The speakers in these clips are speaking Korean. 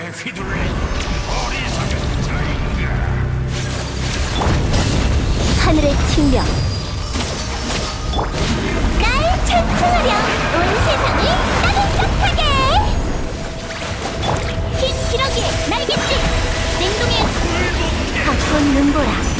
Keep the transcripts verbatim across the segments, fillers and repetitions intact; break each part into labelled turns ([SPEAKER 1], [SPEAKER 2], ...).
[SPEAKER 1] 사고에 휘둘린 어리석은 자인가.
[SPEAKER 2] 하늘의 측면 날 찬송하려 온 세상을 따뜻하게 흰 기러기의 날갯짓 냉동의 벚꽃 눈보라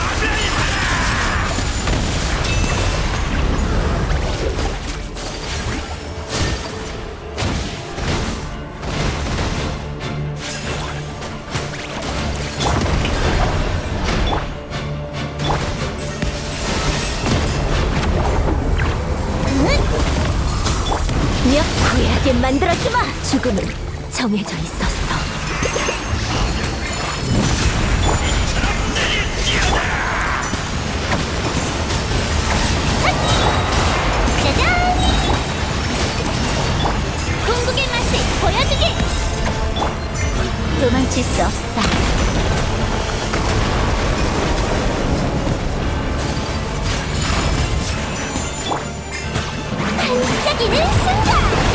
[SPEAKER 2] 몇 후회하게 만들어주마! 죽음은 정해져 있었어. 짜잔! 궁극의 맛을 보여주지! 도망칠 수 없어. 반짝이는 순간!